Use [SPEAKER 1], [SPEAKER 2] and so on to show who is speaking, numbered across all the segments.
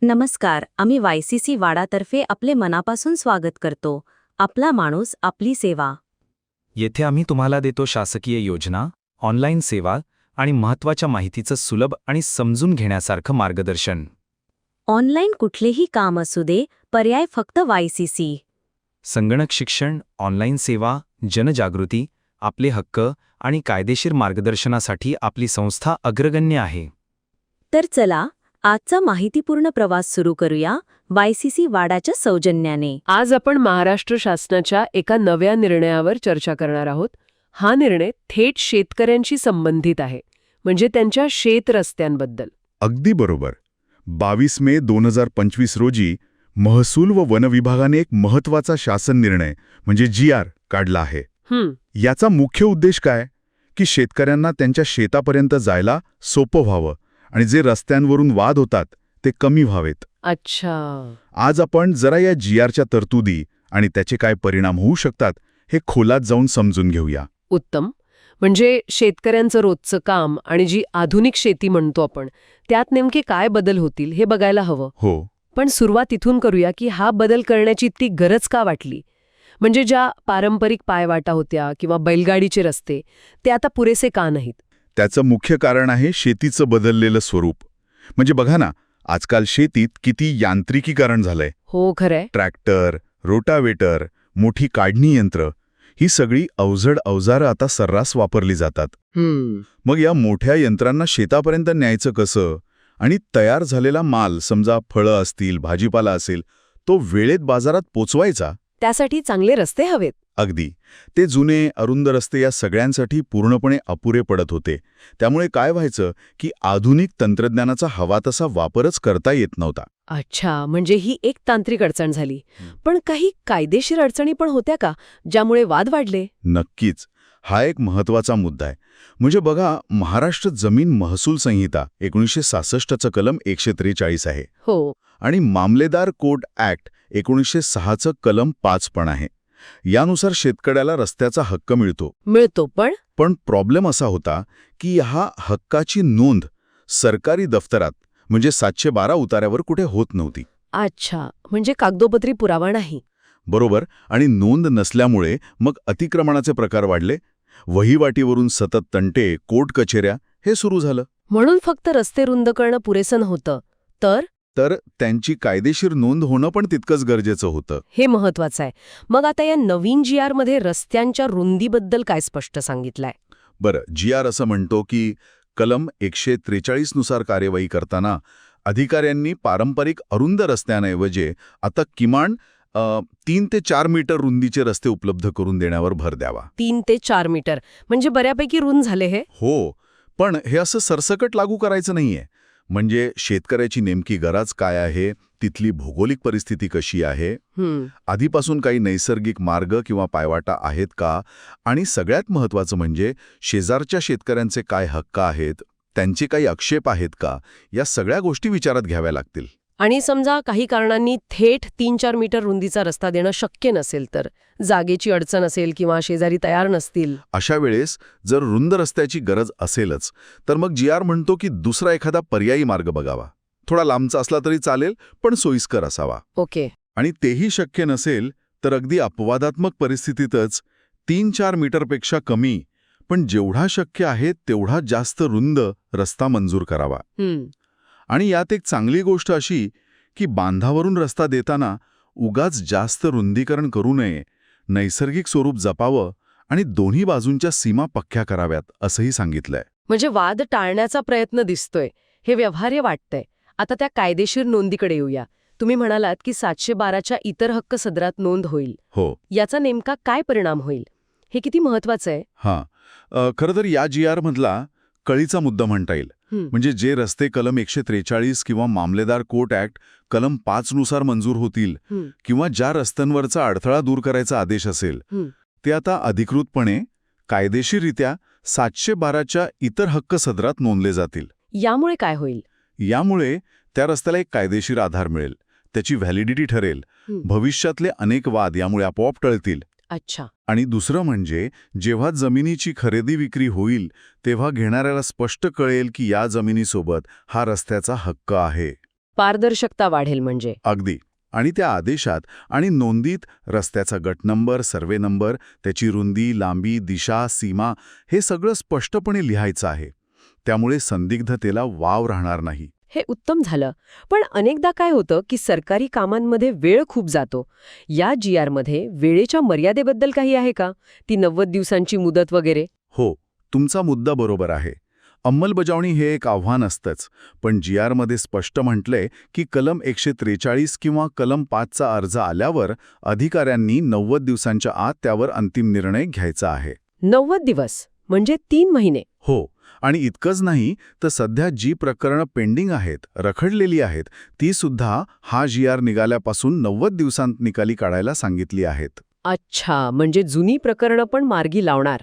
[SPEAKER 1] नमस्कार. आम्ही वायसीसी वाडातर्फे आपले मनापासून स्वागत करतो. आपला माणूस, आपली सेवा.
[SPEAKER 2] येथे आम्ही तुम्हाला देतो शासकीय योजना, ऑनलाईन सेवा आणि महत्त्वाच्या माहितीचं सुलभ आणि समजून घेण्यासारखं मार्गदर्शन.
[SPEAKER 1] ऑनलाईन कुठलेही काम असू दे, पर्याय फक्त वायसीसी.
[SPEAKER 2] संगणक शिक्षण, ऑनलाईन सेवा, जनजागृती, आपले हक्क आणि कायदेशीर मार्गदर्शनासाठी आपली संस्था अग्रगण्य आहे.
[SPEAKER 1] तर चला, आजचा माहितीपूर्ण प्रवास सुरू करूया वायसीसी वाडाच्या सौजन्याने.
[SPEAKER 3] आज आपण महाराष्ट्र शासनाच्या एका नव्या निर्णयावर चर्चा करणार आहोत. हा निर्णय थेट शेतकऱ्यांशी संबंधित आहे, म्हणजे त्यांच्या शेत रस्त्यांबद्दल.
[SPEAKER 4] अगदी बरोबर. 22 मे 2025 रोजी महसूल व वन विभागाने एक महत्त्वाचा शासन निर्णय म्हणजे GR काढला आहे. याचा मुख्य उद्देश काय? की शेतकऱ्यांना त्यांच्या शेतापर्यंत जायला सोपं व्हावं आणि जे रस्त्यांवरून वाद होतात ते कमी व्हावेत.
[SPEAKER 3] अच्छा.
[SPEAKER 4] आज आपण जरा या GRच्या तरतुदी आणि त्याचे काय परिणाम होऊ शकतात हे खोलात जाऊन समजून घेऊया.
[SPEAKER 3] उत्तम. म्हणजे शेतकऱ्यांचं रोजचं काम आणि जी आधुनिक शेती म्हणतो आपण, त्यात नेमके काय बदल होतील हे बघायला हवं.
[SPEAKER 4] हो.
[SPEAKER 3] पण सुरुवात इथून करूया की हा बदल करण्याची ती गरज का वाटली. म्हणजे ज्या पारंपरिक पायवाटा होत्या किंवा बैलगाडीचे रस्ते, ते आता पुरेसे का नाहीत?
[SPEAKER 4] त्याचं मुख्य कारण आहे शेतीचं बदललेलं स्वरूप. म्हणजे बघा ना, आजकाल शेतीत किती यांत्रिकीकरण झालंय.
[SPEAKER 3] हो, खरंय.
[SPEAKER 4] ट्रॅक्टर, रोटावेटर, मोठी काढणी यंत्र ही सगळी अवजड अवजारं आता सर्रास वापरली जातात. मग या मोठ्या यंत्रांना शेतापर्यंत न्यायचं कसं? आणि तयार झालेला माल, समजा फळं असतील, भाजीपाला असेल, तो वेळेत बाजारात पोचवायचा.
[SPEAKER 3] त्यासाठी चांगले रस्ते हवेत.
[SPEAKER 4] अगदी. ते जुने अरुंद रस्ते या सगळ्यांसाठी पूर्णपणे अपुरे पडत होते. त्यामुळे काय व्हायचं की आधुनिक तंत्रज्ञानाचा हवा तसा वापरच करता येत नव्हता.
[SPEAKER 3] अच्छा, म्हणजे ही एक तांत्रिक अडचण झाली. पण काही कायदेशीर अडचणी पण होत्या का, ज्यामुळे वाद वाढले?
[SPEAKER 4] नक्कीच. हा एक महत्त्वाचा मुद्दा आहे. म्हणजे बघा, महाराष्ट्र जमीन महसूल संहिता 1966चं कलम 143 आहे.
[SPEAKER 3] हो.
[SPEAKER 4] आणि मामलेदार कोर्ट ॲक्ट 1906चं कलम 5 पण आहे. यानुसार शेतकऱ्याला रस्त्याचा हक्क मिळतो. पण प्रॉब्लेम असा होता की हा हक्काची नोंद सरकारी दफ्तरात म्हणजे 712 उतार्यावर कुठे होत नव्हती.
[SPEAKER 3] अच्छा, म्हणजे कागदोपत्री पुरावा नाही.
[SPEAKER 4] बरोबर. आणि नोंद नसल्यामुळे मग अतिक्रमणाचे प्रकार वाढले. वहिवाटीवरून सतत तंटे, कोर्ट कचेऱ्या हे सुरू झालं.
[SPEAKER 3] म्हणून फक्त रस्ते रुंद करणं पुरेसं नव्हतं, तर
[SPEAKER 4] त्यांची कायदेशीर नोंद होणं पण तितकंच गरजेचं होतं.
[SPEAKER 3] हे महत्वाचं आहे. मग आता या नवीन GR मध्ये रस्त्यांच्या रुंदीबद्दल काय स्पष्ट सांगितलंय?
[SPEAKER 4] बरं, GR असं म्हणतो की कलम 143 नुसार कार्यवाही करताना अधिकाऱ्यांनी पारंपरिक अरुंद रस्त्यांऐवजी आता किमान 3 ते 4 मीटर रुंदीचे रस्ते उपलब्ध करून देण्यावर भर द्यावा.
[SPEAKER 3] 3 ते 4 मीटर म्हणजे बऱ्यापैकी रुंद झाले हे.
[SPEAKER 4] हो, पण हे असं सरसकट लागू करायचं नाहीये. म्हणजे शेतकऱ्याची नेमकी गरज काय आहे, तिथली भौगोलिक परिस्थिती कशी आहे, आधीपासून काही नैसर्गिक मार्ग किंवा पायवाटा आहेत का, आणि सगळ्यात महत्त्वाचं म्हणजे शेजारच्या शेतकऱ्यांचे काय हक्क आहेत, त्यांचे काही आक्षेप आहेत का, या सगळ्या गोष्टी विचारात घ्याव्या लागतील.
[SPEAKER 3] आणि समजा काही कारणांनी थेट 3-4 मीटर रुंदीचा रस्ता देणं शक्य नसेल, तर जागेची अडचण असेल किंवा शेजारी तयार नसतील,
[SPEAKER 4] अशा वेळेस जर रुंद रस्त्याची गरज असेलच तर मग GR म्हणतो की दुसरा एखादा पर्यायी मार्ग बघावा. थोडा लांबचा असला तरी चालेल, पण सोयीस्कर असावा.
[SPEAKER 3] ओके.
[SPEAKER 4] आणि तेही शक्य नसेल तर अगदी अपवादात्मक परिस्थितीतच 3-4 मीटरपेक्षा कमी, पण जेवढा शक्य आहे तेवढा जास्त रुंद रस्ता मंजूर करावा. आणि यात एक चांगली गोष्ट अशी की बांधावरून रस्ता देताना उगाच जास्त रुंदीकरण करू नये, नैसर्गिक स्वरूप जपावं आणि दोन्ही बाजूंच्या सीमा पक्क्या कराव्यात असंही सांगितलंय.
[SPEAKER 3] म्हणजे वाद टाळण्याचा प्रयत्न दिसतोय. हे व्यवहार्य वाटतंय. आता त्या कायदेशीर नोंदीकडे येऊया. तुम्ही म्हणालात की 712च्या इतर हक्क सदरात नोंद होईल.
[SPEAKER 4] हो.
[SPEAKER 3] याचा नेमका काय परिणाम होईल, हे किती महत्वाचं आहे?
[SPEAKER 4] खरं तर या GR मधला कळीचा मुद्दा म्हणता येईल. म्हणजे जे रस्ते कलम 143 किंवा मामलेदार कोर्ट ॲक्ट कलम 5 नुसार मंजूर होतील किंवा ज्या रस्त्यांवरचा अडथळा दूर करायचा आदेश असेल, ते आता अधिकृतपणे कायदेशीररित्या 712च्या इतर हक्क सदरात नोंदले जातील.
[SPEAKER 3] यामुळे काय होईल?
[SPEAKER 4] यामुळे त्या रस्त्याला एक कायदेशीर आधार मिळेल, त्याची व्हॅलिडिटी ठरेल, भविष्यातले अनेक वाद यामुळे आपोआप टळतील.
[SPEAKER 3] अच्छा.
[SPEAKER 4] आणि दुसरं म्हणजे जेव्हा जमिनीची खरेदी विक्री होईल तेव्हा घेणाऱ्याला स्पष्ट कळेल की या जमिनीसोबत हा रस्त्याचा हक्क आहे.
[SPEAKER 3] पारदर्शकता वाढेल म्हणजे.
[SPEAKER 4] अगदी. आणि त्या आदेशात आणि नोंदीत रस्त्याचा गट नंबर, सर्वे नंबर, त्याची रुंदी, लांबी, दिशा, सीमा हे सगळं स्पष्टपणे लिहायचं आहे. त्यामुळे संदिग्धतेला वाव राहणार नाही.
[SPEAKER 3] हे उत्तम झालं. पण अनेकदा काय होतं की सरकारी कामांमध्ये वेळ खूप जातो. या GR मध्ये वेळेच्या मर्यादेबद्दल काही आहे का? ती 90 दिवसांची मुदत वगैरे?
[SPEAKER 4] हो, तुमचा मुद्दा बरोबर आहे. अंमलबजावणी हे एक आव्हान असतंच, पण GR मध्ये स्पष्ट म्हटलंय की कलम 143 किंवा कलम 5चा अर्ज आल्यावर अधिकाऱ्यांनी 90 दिवसांच्या आत त्यावर अंतिम निर्णय घ्यायचा आहे.
[SPEAKER 3] 90 दिवस म्हणजे 3 महिने.
[SPEAKER 4] हो, आणि इतकंच नाही तर सध्या जी प्रकरणं पेंडिंग आहेत, रखडलेली आहेत, ती सुद्धा हा GR निघाल्यापासून 90 दिवसांत निकाली काढायला सांगितली आहेत.
[SPEAKER 3] अच्छा, म्हणजे जुनी प्रकरणं पण मार्गी लावणार.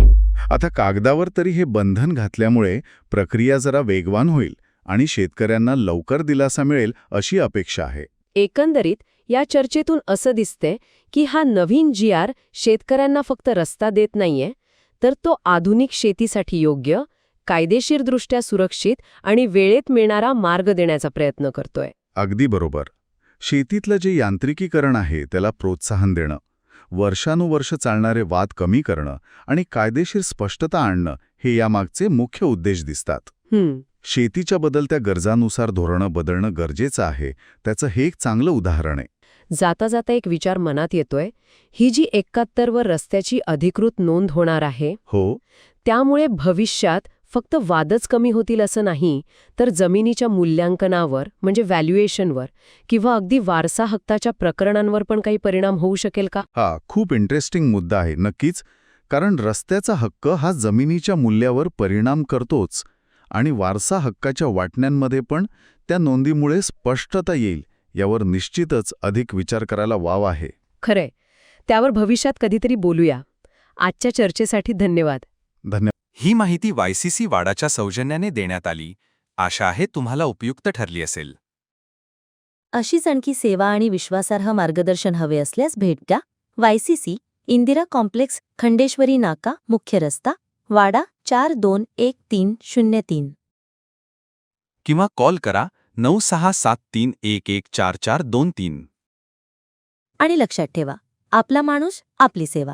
[SPEAKER 4] आता कागदावर तरी हे बंधन घातल्यामुळे प्रक्रिया जरा वेगवान होईल आणि शेतकऱ्यांना लवकर दिलासा मिळेल अशी अपेक्षा आहे.
[SPEAKER 3] एकंदरीत या चर्चेतून असं दिसतंय की हा नवीन GR शेतकऱ्यांना फक्त रस्ता देत नाहीये, तर तो आधुनिक शेतीसाठी योग्य, कायदेशीरदृष्ट्या सुरक्षित आणि वेळेत मिळणारा मार्ग देण्याचा प्रयत्न करतोय.
[SPEAKER 4] अगदी बरोबर. शेतीतलं जे यांत्रिकीकरण आहे त्याला प्रोत्साहन देणं, वर्षानुवर्ष चालणारे वाद कमी करणं आणि कायदेशीर स्पष्टता आणणं हे यामागचे मुख्य उद्देश दिसतात. शेतीच्या बदलत्या गरजांनुसार धोरणं बदलणं गरजेचं आहे, त्याचं हे एक चांगलं उदाहरण आहे.
[SPEAKER 3] जाता जाता एक विचार मनात येतोय. ही जी 71 वर रस्त्याची अधिकृत नोंद होणार आहे,
[SPEAKER 4] हो,
[SPEAKER 3] त्यामुळे भविष्यात फक्त वादच कमी होतील असं नाही, तर जमिनीच्या मूल्यांकनावर म्हणजे व्हॅल्युएशनवर किंवा अगदी वारसा हक्काच्या प्रकरणांवर पण काही परिणाम होऊ शकेल का?
[SPEAKER 4] हा खूप इंटरेस्टिंग मुद्दा आहे. नक्कीच, कारण रस्त्याचा हक्क हा जमिनीच्या मूल्यावर परिणाम करतोच आणि वारसा हक्काच्या वाटण्यांमध्ये पण त्या नोंदीमुळे स्पष्टता येईल यावर निश्चितच अधिक विचार करायला वाव आहे.
[SPEAKER 3] खरंय. त्यावर भविष्यात कधीतरी बोलूया. आजच्या चर्चेसाठी धन्यवाद.
[SPEAKER 4] धन्यवाद.
[SPEAKER 2] ही माहिती YCC वाडाच्या सौजन्याने देण्यात आली. आशा आहे तुम्हाला उपयुक्त ठरली असेल.
[SPEAKER 1] अशीच आणखी सेवा आणि विश्वासार्ह मार्गदर्शन हवे असल्यास भेट द्या. YCC, इंदिरा कॉम्प्लेक्स, खंडेश्वरी नाका, मुख्य रस्ता, वाडा 421303.
[SPEAKER 2] किंवा कॉल करा 9673114423.
[SPEAKER 1] आणि लक्षात ठेवा, आपला माणूस आपली सेवा.